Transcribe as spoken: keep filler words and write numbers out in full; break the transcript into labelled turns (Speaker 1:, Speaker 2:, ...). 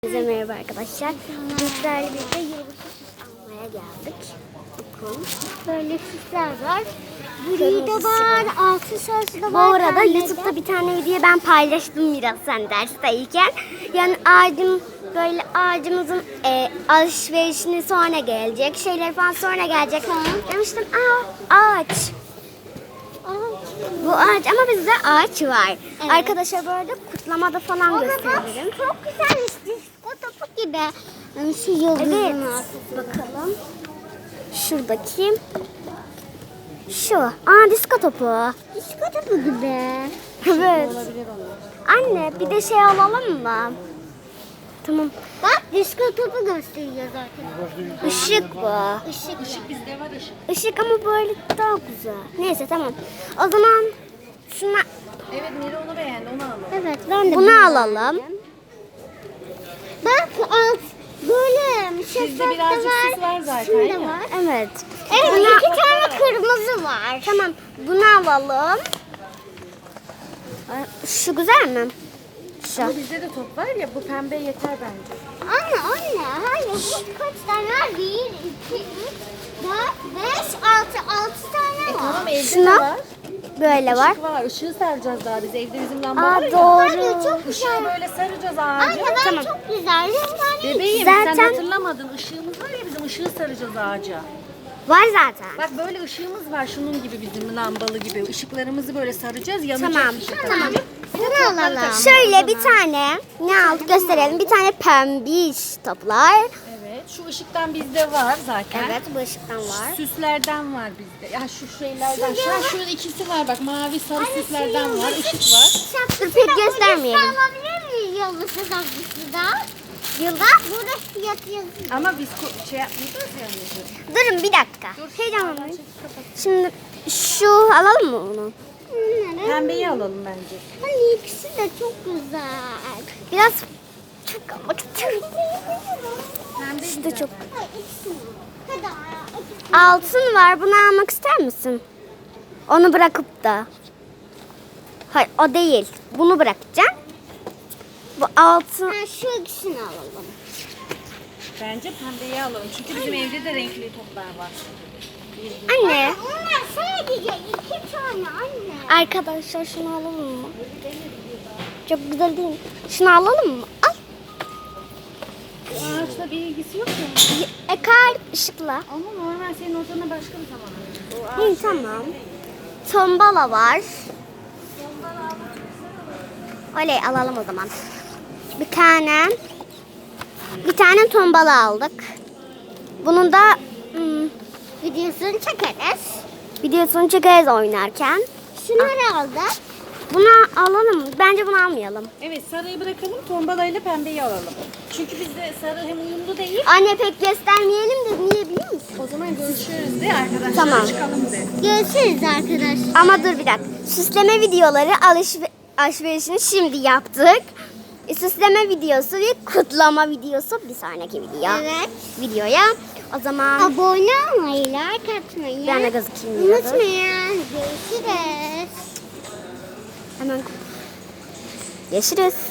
Speaker 1: Herkese merhaba arkadaşlar. Bizlerle birlikte yılbaşı süs almaya geldik. Bakın. Böyle süsler var. Gri de var, altın sarısı da var. Bu arada YouTube'da bir tane video ben paylaştım biraz sen dersteyken. Yani ağacım böyle ağacımızın e, alışverişini sonra gelecek. Şeyler falan sonra gelecek. Demiştim aa ağaç. Bu ağaç ama bizde ağaç var. Evet. Arkadaşlar böyle kutlamada falan gösterelim.
Speaker 2: Çok güzelmiş. Disko topu gibi. Yani şu yıldızın
Speaker 1: Evet.
Speaker 2: altı.
Speaker 1: Bakalım. Şuradaki. Şu. Aa disko topu.
Speaker 2: Disko topu gibi.
Speaker 1: Evet. Anne bir de şey alalım mı? Tamam.
Speaker 2: Bak disko topu gösteriyor zaten.
Speaker 1: Işık bu.
Speaker 2: Işık. Işık bizde var ışık.
Speaker 1: Işık ama böyle daha güzel. Neyse tamam. O zaman şuna
Speaker 3: Evet Mira onu beğendi, onu alalım.
Speaker 2: Evet ben de
Speaker 1: bunu alalım.
Speaker 2: Bak alt böyle şeffaf
Speaker 3: Sizde
Speaker 2: da
Speaker 3: birazcık
Speaker 2: var.
Speaker 3: sis var zaten,
Speaker 2: Şunda
Speaker 3: ya.
Speaker 2: var.
Speaker 1: Evet.
Speaker 2: Evet
Speaker 1: Buna-
Speaker 2: iki tane kırmızı var.
Speaker 1: Tamam. Bunu alalım. Ay, şu güzel mi? Şu.
Speaker 3: Ama bizde de top var ya, bu pembe yeter bence.
Speaker 2: Anne anne hayır bu kaç tane var? Bir, iki, üç, dört, beş, altı. Altı tane
Speaker 3: E
Speaker 2: var.
Speaker 3: tamam evde
Speaker 1: Şuna
Speaker 3: de var.
Speaker 1: böyle var.
Speaker 3: Işık var, ışığı saracağız daha biz. Evde bizim lamba
Speaker 1: Aa
Speaker 3: var ya.
Speaker 1: doğru.
Speaker 2: Anne çok
Speaker 3: Işığı
Speaker 2: güzel.
Speaker 3: böyle saracağız
Speaker 2: Anne
Speaker 3: ağaca.
Speaker 2: ben
Speaker 1: Tamam.
Speaker 2: çok güzel. Rengarenk.
Speaker 3: Bebeğim
Speaker 1: Zaten-
Speaker 3: sen hatırlamadın. Işığımız var ya bizim, ışığı saracağız ağaca.
Speaker 1: Var zaten.
Speaker 3: Bak böyle ışığımız var şunun gibi, bizim lambalı gibi. Işıklarımızı böyle saracağız, yanacak
Speaker 1: Tamam.
Speaker 3: ışıklar.
Speaker 2: Tamam. Bunu alalım.
Speaker 1: Şöyle bir tane ne aldık gösterelim. Bir tane pembiş toplar.
Speaker 3: Evet, şu ışıktan bizde var zaten.
Speaker 1: Evet bu ışıktan var.
Speaker 3: Süslerden var bizde. Ya şu şeylerden. Şu an şurada ikisi var bak. Mavi sarı süslerden var. Işık var.
Speaker 1: Dur pek göstermeyelim.
Speaker 2: Alabilir miyiz yıldızı tatlısı da? Yıldız burada fiyat yazıyor.
Speaker 3: Ama biz ko- şey yapmayacağız yani.
Speaker 1: Durun bir dakika. Heyecanlanmayın. Şimdi şu alalım mı onu?
Speaker 2: Bunları.
Speaker 3: Pembeyi alalım bence.
Speaker 2: Hani ikisi de çok güzel.
Speaker 1: Biraz çok almak istiyorum.
Speaker 3: Pembe
Speaker 1: İşte çok.
Speaker 2: Ay, ikisini. Hadi ya.
Speaker 1: Altın var. Bunu almak ister misin? Onu bırakıp da. Hayır o değil. Bunu bırakacağım. Bu altın.
Speaker 2: Ha, şu ikisini alalım.
Speaker 3: Bence pembeyi alalım. Çünkü bizim evde de renkli toplar var.
Speaker 1: Anne.
Speaker 2: Onlar sadece iki tane anne.
Speaker 1: Arkadaşlar şunu alalım mı? Çok güzel değil mi? Şunu alalım mı? Al.
Speaker 3: Ağaçla bir ilgisi yok mu?
Speaker 1: E kalp ışıkla.
Speaker 3: Ama normal senin odana başka bir zaman.
Speaker 1: İyi tamam. Tombala var. Oley alalım o zaman. Bir tane bir tane tombala aldık. Bunun da hmm,
Speaker 2: Videosunu çekeriz.
Speaker 1: videosunu çekeriz oynarken.
Speaker 2: Şunları aldık.
Speaker 1: Bunu alalım mı? Bence bunu almayalım.
Speaker 3: Evet sarıyı bırakalım, tombalayla pembeyi alalım. Çünkü bizde sarı hem uyumlu değil.
Speaker 1: Anne pek göstermeyelim de niye biliyor musun?
Speaker 3: O zaman görüşürüz de arkadaşlar.
Speaker 1: Tamam.
Speaker 3: Çıkalım de.
Speaker 2: Görüşürüz arkadaşlar.
Speaker 1: Ama dur bir dakika. Süsleme videoları alışver alışverişini şimdi yaptık. E, Süsleme videosu ve kutlama videosu bir sonraki video.
Speaker 2: Evet.
Speaker 1: Videoya. O zaman
Speaker 2: Abone olmayı, like atmayı
Speaker 1: ben de gözükeyim biraz.
Speaker 2: unutmayın. Görüşürüz.
Speaker 1: Hemen görüşürüz.